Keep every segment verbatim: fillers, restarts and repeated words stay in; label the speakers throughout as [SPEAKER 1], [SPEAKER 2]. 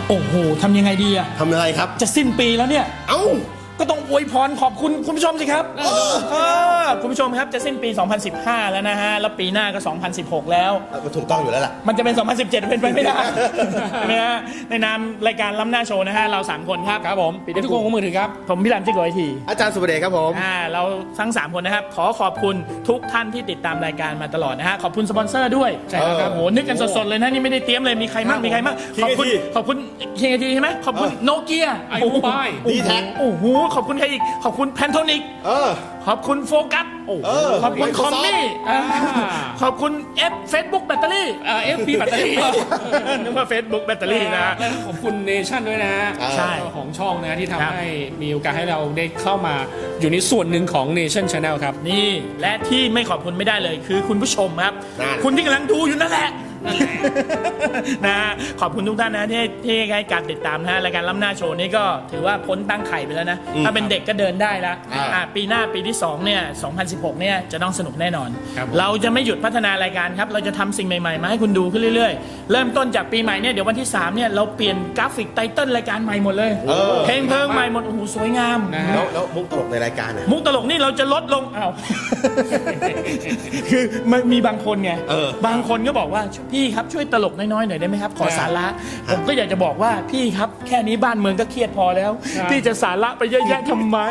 [SPEAKER 1] โอ้โหทำยังไงดีอะ
[SPEAKER 2] ทำอะไรครับ
[SPEAKER 1] จะสิ้นปีแล้วเนี่ย
[SPEAKER 2] เอ้า
[SPEAKER 1] ก็ต้องอวยพรขอบคุณคุณผู้ชมสิครับเออคุณผู้ชมครับจะสิ้นปี สองพันสิบห้า แล้วนะฮะแล้วปีหน้าก็ สองพันสิบหก แล้ว
[SPEAKER 2] มันถูกต้องอยู่แล้วล่ะ
[SPEAKER 1] มันจะเป็น สองพันสิบเจ็ด เป็นไปไม่ได้ นะฮะในนามรายการล้ำหน้าโชว์นะฮะเราสามคนครับ
[SPEAKER 3] ครับผมปิดได้ทุกคนของมือถือครับ
[SPEAKER 1] ผมพี่รามจิกโกไอที
[SPEAKER 2] อาจารย์สุประเดชครับผม
[SPEAKER 1] อ่าเราทั้งสามคนนะครับขอขอบคุณทุกท่านที่ติดตามรายการมาตลอดนะฮะขอบคุณสปอนเซอร์ด้วย
[SPEAKER 3] ใช่แล้วครับ
[SPEAKER 1] โอ้โหนึกกันสดๆเลยนะนี่ไม่ได้เตรียมเลยมีใครมั่งมีใครมั่งขอบคุณขอบคุณเคงทีใช่ไหมขอบคุณโนเกีย
[SPEAKER 3] ไอโมบาย
[SPEAKER 2] D-Tech
[SPEAKER 1] โอ้โหขอบคุณใครอีกขอบคุณแพนโทนิก
[SPEAKER 2] เออ
[SPEAKER 1] ขอบคุณโฟกัสโอ้โห
[SPEAKER 2] เออ
[SPEAKER 1] ขอบคุณคอม
[SPEAKER 2] Microsoft
[SPEAKER 1] มี่
[SPEAKER 3] อ่า
[SPEAKER 1] ขอบคุณเอฟเฟซบุ๊กแบตเตอรี่
[SPEAKER 3] เอ่อฟพีแบตเตอรี่
[SPEAKER 1] นึกว่าเฟซบุ๊กแบตเตอรี่นะ
[SPEAKER 3] แล้วขอบคุณเนชั่นด้วยนะฮะ
[SPEAKER 1] ใช่
[SPEAKER 3] ของช่องนะที่
[SPEAKER 1] ครับ
[SPEAKER 3] ทำให้มีโอกาสให้เราได้เข้ามาอยู่ในส่วนหนึ่งของ Nation Channel ครับ
[SPEAKER 1] นี่และที่ไม่ขอบคุณไม่ได้เลยคือคุณผู้ชมครับ
[SPEAKER 2] นั่น
[SPEAKER 1] คุณที่กำลังดูอยู่นั่นแหละ นะขอบคุณทุกท่านนะที่ที่ให้การติดตามนะฮะรายการล้ำหน้าโชว์นี่ก็ถือว่าพ้นตั้งไข่ไปแล้วนะ ถ้าเป็นเด็กก็เดินได้แล้ว
[SPEAKER 2] อ่า
[SPEAKER 1] อ่ะปีหน้าปีที่สองเนี่ยสองพันสิบหกเนี่ยจะต้องสนุกแน่นอน
[SPEAKER 3] ครับผม
[SPEAKER 1] เราจะไม่หยุดพัฒนารายการครับ เราจะทำสิ่งใหม่ๆ มาให้คุณดูขึ้นเรื่อยๆ เริ่มต้นจากปีใหม่เนี่ยเดี๋ยววันที่สามเนี่ยเราเปลี่ยนกราฟิกไตเติ้ลรายการใหม่หมดเลย
[SPEAKER 2] เออ
[SPEAKER 1] เพลงเพลิงใหม่หมดโอ้โหสวยงาม
[SPEAKER 3] นะฮะ
[SPEAKER 2] แล้วแล้วมุกตลกในรายการเนี่ย
[SPEAKER 1] มุกตลกนี่เราจะลดลงอ้าว คือมันมีบางคนไง
[SPEAKER 2] เออ
[SPEAKER 1] บางคนก็บอกว่าพี่ครับช่วยตลกน้อยๆหน่อยได้ไหมครับ ขอสาระ ผมก็อยากจะบอกว่าพี่ครับแค่นี้บ้านเมืองก็เครียดพอแล้ว
[SPEAKER 3] ครับ
[SPEAKER 1] พี่จะสาระไปเยอะแยะทำไม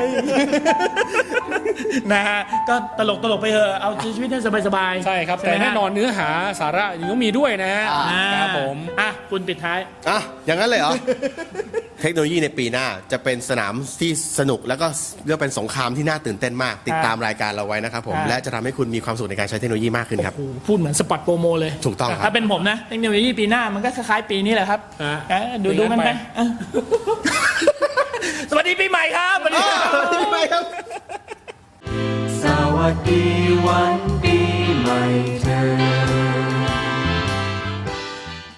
[SPEAKER 1] นะฮะก็ตลกตลกไปเถอะเอาชีวิตให้สบายๆ
[SPEAKER 3] ใช่ครับ
[SPEAKER 1] ไห
[SPEAKER 3] แต่
[SPEAKER 1] มฮะ
[SPEAKER 3] แน่นอนเนื้อหาสาระยังต้องมีด้วยนะฮะ
[SPEAKER 1] อ่า
[SPEAKER 3] ครับผม
[SPEAKER 1] อ่ะคุณปิดท้าย
[SPEAKER 2] อ่ะอย่างนั้นเลยเหรอ เทคโนโลยีในปีหน้าจะเป็นสนามที่สนุกแล้วก็เรียกเป็นสงครามที่น่าตื่นเต้นมาก ติดตามรายการเราไว้นะครับผม
[SPEAKER 1] ครับ
[SPEAKER 2] และจะทำให้คุณมีความสุขในการใช้เทคโนโลยีมากขึ้นครับ
[SPEAKER 1] โอ้โหพูดเหมือนสปอตโปรโมเลย
[SPEAKER 2] ถูกต้องครับ
[SPEAKER 1] ถ้าเป็นผมนะเทคโนโลยีปีหน้ามันก็คล้ายๆปีนี้แหละครับ
[SPEAKER 3] อ่ะ
[SPEAKER 1] เอ๊ะดูดูมันไป
[SPEAKER 3] ไป
[SPEAKER 1] อ่ะ สวัสดีปีใหม่ครับสวัสดีครับ
[SPEAKER 2] ไม่ครับ
[SPEAKER 4] สวัสดีวัน